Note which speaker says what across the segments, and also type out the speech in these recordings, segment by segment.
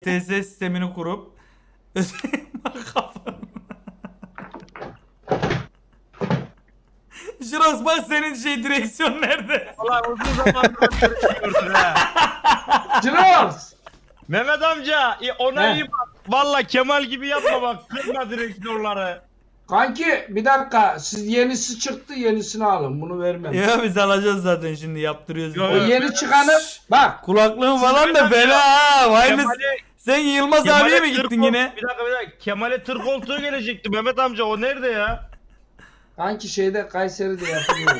Speaker 1: TS sistemini kurup kafanı. Jirox bak senin direksiyon nerede?
Speaker 2: Ulan uzun zamandır görüşmüyorduk ha.
Speaker 3: Jirox!
Speaker 2: Mehmet amca ona
Speaker 3: He.
Speaker 2: iyi bak. Valla Kemal gibi yapma bak. Kırma direksiyonları.
Speaker 3: Kanki bir dakika, siz yenisi çıktı, yenisini alın, bunu vermem.
Speaker 1: Ya biz alacağız zaten şimdi yaptırıyoruz.
Speaker 2: Yo,
Speaker 3: O
Speaker 2: yo.
Speaker 3: yeni çıkanı bak.
Speaker 1: Kulaklığın falan da
Speaker 2: Mehmet
Speaker 1: fena ha. Vay mı?
Speaker 2: Kemal'e
Speaker 1: Sen Yılmaz abiye mi gittin yine?
Speaker 2: Bir dakika. Kemal'e tır koltuğu gelecekti Mehmet amca. O nerede ya?
Speaker 3: Kanki şeyde Kayseri'de yapılıyor.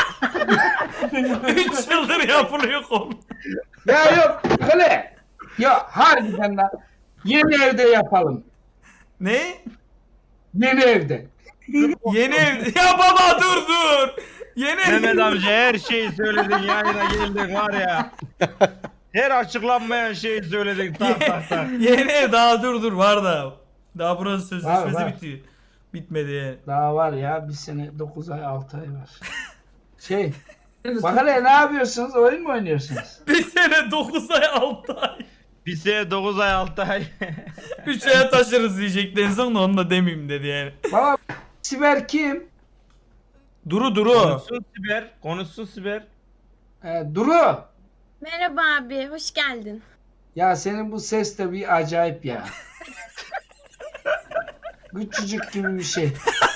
Speaker 1: 3 yıldır yapılıyor kol.
Speaker 3: Ya yok öyle. Ya harbiden lan. Yeni evde yapalım.
Speaker 1: Ne?
Speaker 3: Yeni evde.
Speaker 1: Yeni ev. Ya baba dur. Yeni ev.
Speaker 2: Mehmet amca her şeyi söyledin yayına geldin var ya. Her açıklanmayan şeyi söyledin tak.
Speaker 1: Yeni ev daha dur var da. Daha buranın sözleşmesi
Speaker 3: Var.
Speaker 1: bitiyor. Bitmedi yani.
Speaker 3: Daha var ya, bir sene 9 ay 6 ay var. Şey. Bak hele ne yapıyorsunuz? Oyun mu oynuyorsunuz?
Speaker 1: Bir sene 9 ay 6 ay.
Speaker 2: Bir sene 9 ay 6 ay.
Speaker 1: 3 aya taşırız diyecekti en son da onu da demeyeyim dedi yani.
Speaker 3: Baba Siber kim?
Speaker 1: Duru.
Speaker 2: Konuşsun Siber.
Speaker 3: Duru.
Speaker 4: Merhaba abi, hoş geldin.
Speaker 3: Ya senin bu ses de bir acayip ya. Küçücük gibi bir şey.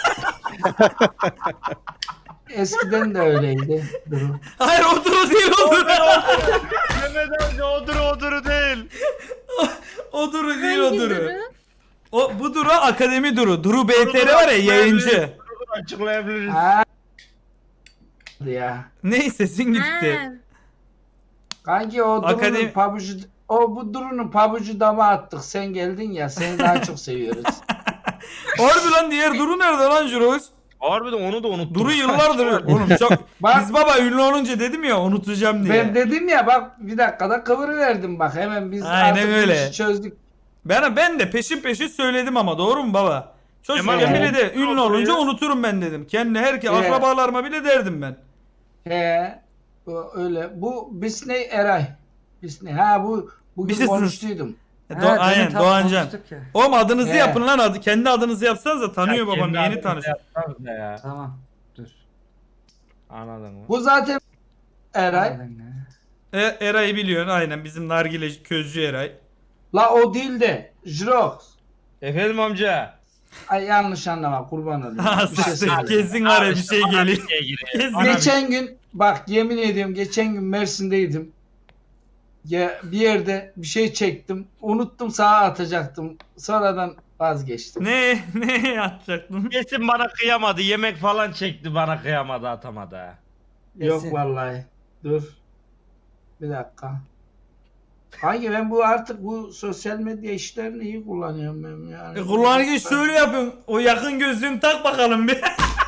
Speaker 3: Eskiden de öyleydi Duru.
Speaker 1: Hayır o Duru değil o Duru.
Speaker 2: Mehmet amca oduru değil.
Speaker 1: O Duru değil o
Speaker 4: Hangi
Speaker 1: Duru.
Speaker 4: Duru?
Speaker 1: Bu Duru akademi Duru. Duru BTR var ya yayıncı.
Speaker 2: Açıklayabiliriz.
Speaker 3: Ha. Ya.
Speaker 1: Ney sesin gitti.
Speaker 4: Ha,
Speaker 3: Kanki o Duru'nun
Speaker 1: Akademi-
Speaker 3: pabucu, bu Duru'nun pabucu dama attık. Sen geldin ya, seni daha çok seviyoruz.
Speaker 1: Harbi lan diğer Duru nerede lan Jirox?
Speaker 2: Harbiden onu da unuttum.
Speaker 1: Duru yıllardır oğlum çok.
Speaker 3: Bak-
Speaker 1: Biz baba ünlü olunca dedim ya unutacağım diye.
Speaker 3: Ben dedim ya, bak bir dakikada kıvırıverdim bak, hemen biz
Speaker 1: Aynen
Speaker 3: artık bu
Speaker 1: öyle.
Speaker 3: işi çözdük.
Speaker 1: Ben de peşin söyledim ama doğru mu baba? Çocukken
Speaker 2: Kemal
Speaker 1: bile
Speaker 2: abi,
Speaker 1: de ünlü
Speaker 2: oturuyor.
Speaker 1: olunca unuturum ben dedim. Kendi herkes
Speaker 3: Evet.
Speaker 1: akrabalarıma bile derdim ben.
Speaker 3: Bu öyle. Bu Bisney Eray. Bisney. Ha bu bugün
Speaker 1: Business.
Speaker 3: konuştuydum.
Speaker 1: Aynen Doğancan. Oğlum adınızı
Speaker 3: He.
Speaker 1: yapın lan adı. Kendi adınızı yapsanız da tanıyor babam
Speaker 2: Kendi
Speaker 1: yeni
Speaker 2: adını
Speaker 1: tanışıyor.
Speaker 2: yapsanız da ya.
Speaker 5: Tamam. Dur.
Speaker 2: Anladın mı?
Speaker 3: Bu zaten Eray.
Speaker 1: Eray'ı biliyorsun aynen bizim nargile közcü Eray.
Speaker 3: La o değil de Jirox.
Speaker 2: Efendim amca.
Speaker 3: Ay yanlış anlama, kurban olayım.
Speaker 1: Ha
Speaker 3: Bir şey
Speaker 1: sıçtık
Speaker 3: söyleyeyim.
Speaker 1: kesin var ya bir şey geliyor. Kesin.
Speaker 3: Geçen gün bak, yemin ediyorum geçen gün Mersin'deydim. Ya bir yerde bir şey çektim. Unuttum, sağa atacaktım. Sonradan vazgeçtim.
Speaker 1: Ne yapacaktın?
Speaker 2: Kesin bana kıyamadı. Yemek falan çekti bana kıyamadı atamadı ha.
Speaker 3: Yok
Speaker 5: Kesin.
Speaker 3: vallahi. Dur. Bir dakika. Hangi ben bu artık bu sosyal medya işlerini iyi kullanıyorum ben yani.
Speaker 1: Kullanırken şöyle yapın. O yakın gözlüğünü tak bakalım bir.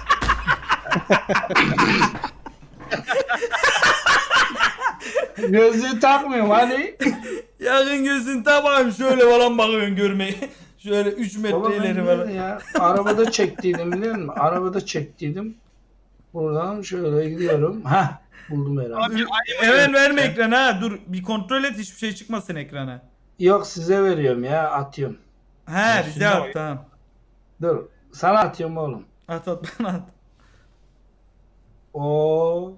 Speaker 3: Gözlüğü takmıyorum hani.
Speaker 1: Yakın gözlüğünü tak bakayım şöyle falan bakıyorsun görmeyi. Şöyle 3
Speaker 3: Baba
Speaker 1: metre
Speaker 3: ben
Speaker 1: ileri
Speaker 3: nerede
Speaker 1: falan.
Speaker 3: ya? Arabada çektiydim biliyor musun? Arabada çektiydim. Buradan şöyle gidiyorum. Hah, buldum herhalde.
Speaker 1: Hemen verme ekrana ha. Dur bir kontrol et hiçbir şey çıkmasın ekrana.
Speaker 3: Yok, size veriyorum ya, atıyorum.
Speaker 1: He bize
Speaker 2: şimdi
Speaker 1: at
Speaker 2: bak.
Speaker 1: tamam.
Speaker 3: Dur. Sana atıyorum oğlum.
Speaker 1: At bana at.
Speaker 3: O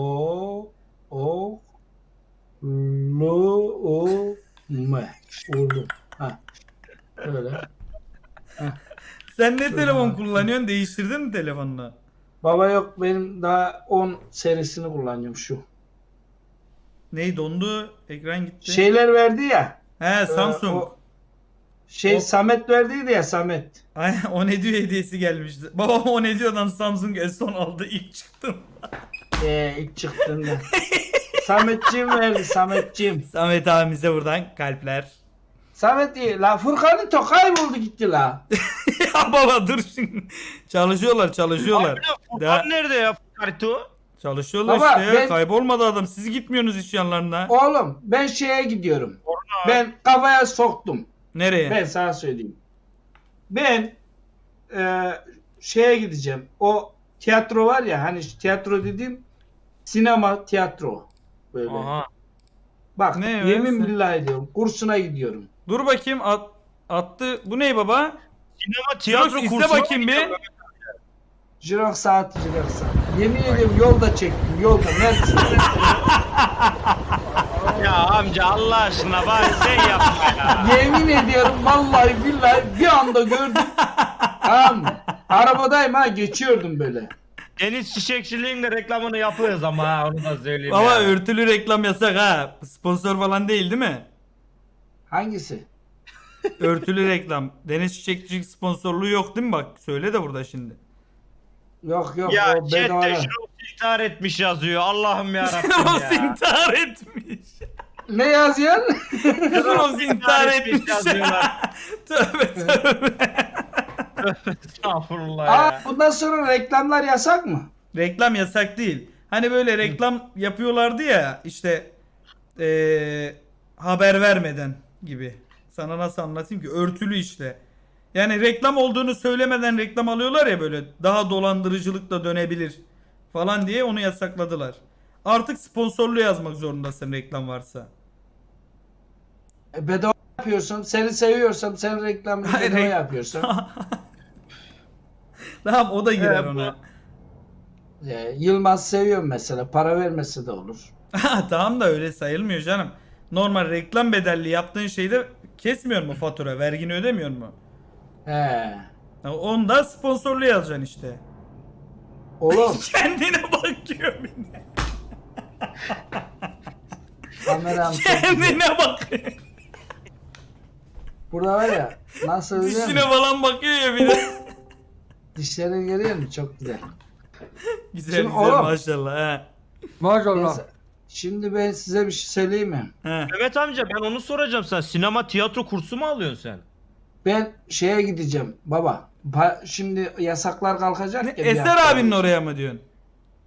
Speaker 3: Lu o me. Oğlum. Ha. Öyle.
Speaker 1: Sen ne
Speaker 3: Şöyle
Speaker 1: telefon
Speaker 3: bak.
Speaker 1: kullanıyorsun? Değiştirdin mi telefonunu?
Speaker 3: Baba yok, benim daha 10 serisini kullanıyorum şu.
Speaker 1: Ney dondu? Ekran gitti.
Speaker 3: Şeyler verdi ya.
Speaker 1: He Samsung.
Speaker 3: o Şey Samet verdiydi ya, Samet.
Speaker 1: Aynen o ne diyor hediyesi gelmişti. Babam o ne diyordan Samsung S10 aldı ilk çıktım.
Speaker 3: İlk çıktığında. Sametciğim verdi, Sametciğim.
Speaker 1: Samet abimize buradan kalpler.
Speaker 3: Samet iyi. La Furkan'ın tokay buldu gitti la.
Speaker 1: Ya baba dur şimdi. Çalışıyorlar.
Speaker 2: Harbiden
Speaker 1: Daha-
Speaker 2: Furkan nerede ya Furkanito?
Speaker 1: Çalışıyorlar
Speaker 3: Baba,
Speaker 1: işte ya.
Speaker 3: ben-
Speaker 1: Kaybolmadı adam. Siz gitmiyorsunuz iş yanlarına.
Speaker 3: Oğlum ben şeye gidiyorum. Ben kafaya soktum.
Speaker 1: Nereye?
Speaker 3: Ben sana söyleyeyim. Ben şeye gideceğim. O tiyatro var ya, hani tiyatro dediğim sinema tiyatro. Böyle.
Speaker 2: Aha.
Speaker 3: Bak
Speaker 1: Ne
Speaker 3: yemin
Speaker 1: öylesi?
Speaker 3: billahi diyorum, kursuna gidiyorum.
Speaker 1: Dur bakayım attı. Bu ne baba?
Speaker 2: Sinema
Speaker 1: Jirox
Speaker 2: tiyatro
Speaker 1: iste
Speaker 2: kursuna
Speaker 1: bakayım bir.
Speaker 3: Jirox saat. Yemin ediyorum yolda çektim. Yolda. Mersin'de.
Speaker 2: Ya amca Allah aşkına bari sen yapma ya.
Speaker 3: Yemin ediyorum vallahi billahi bir anda gördüm. Tamam mı? Arabadayım ha geçiyordum böyle.
Speaker 2: Deniz Çiçekçiliğin de reklamını yapıyoruz ama ha onu da söyleyeyim
Speaker 1: Baba
Speaker 2: ya.
Speaker 1: örtülü reklam yasak ha. Sponsor falan değil mi?
Speaker 3: Hangisi?
Speaker 1: Örtülü reklam. Deniz Çiçekçilik sponsorluğu yok değil mi? Bak söyle de burada şimdi.
Speaker 3: Yok yok
Speaker 2: Ya
Speaker 3: o bedava.
Speaker 2: chatte Jirox intihar etmiş yazıyor. Allah'ım yarabbim
Speaker 1: Ross
Speaker 2: ya.
Speaker 1: intihar etmiş.
Speaker 3: Ne yazıyorsun?
Speaker 1: Ross intihar etmiş.
Speaker 2: yazıyorlar.
Speaker 1: Tövbe tövbe.
Speaker 2: Estağfurullah
Speaker 3: Aa,
Speaker 2: ya.
Speaker 3: bundan sonra reklamlar yasak mı?
Speaker 1: Reklam yasak değil. Hani böyle reklam yapıyorlardı ya işte haber vermeden gibi. Sana nasıl anlatayım ki? Örtülü işte. Yani reklam olduğunu söylemeden reklam alıyorlar ya böyle daha dolandırıcılıkla dönebilir falan diye onu yasakladılar. Artık sponsorlu yazmak zorundasın reklam varsa.
Speaker 3: Bedava yapıyorsun. Seni seviyorsam sen reklamı
Speaker 1: Hayır,
Speaker 3: bedava yapıyorsun.
Speaker 1: Tamam o da girer
Speaker 2: bu-
Speaker 1: ona.
Speaker 3: Yılmaz seviyorum mesela. Para vermesi de olur.
Speaker 1: Tamam da öyle sayılmıyor canım. Normal reklam bedelli yaptığın şeyde kesmiyor mu fatura? Vergini ödemiyor mu?
Speaker 3: He.
Speaker 1: Onda sponsorlu yazacaksın işte.
Speaker 3: Oğlum
Speaker 1: Kendine bakıyor bir de.
Speaker 3: kameram çok güzel.
Speaker 1: Kendine bakıyor.
Speaker 3: Burada var ya nasıl biliyor
Speaker 1: Dişine
Speaker 3: musun?
Speaker 1: falan bakıyor ya bir de.
Speaker 3: Dişlerini görüyor musun? Çok güzel.
Speaker 1: Güzel
Speaker 3: Şimdi
Speaker 1: güzel
Speaker 3: oğlum.
Speaker 1: maşallah. He.
Speaker 5: Maşallah.
Speaker 3: Neyse, şimdi ben size bir şey söyleyeyim mi?
Speaker 1: He.
Speaker 2: Mehmet amca ben onu soracağım, sen sinema tiyatro kursu mu alıyorsun sen?
Speaker 3: Ben şeye gideceğim baba. Şimdi yasaklar kalkacak ya. bir
Speaker 1: Eser
Speaker 3: hafta
Speaker 1: abinin
Speaker 3: boyunca.
Speaker 1: oraya mı diyorsun?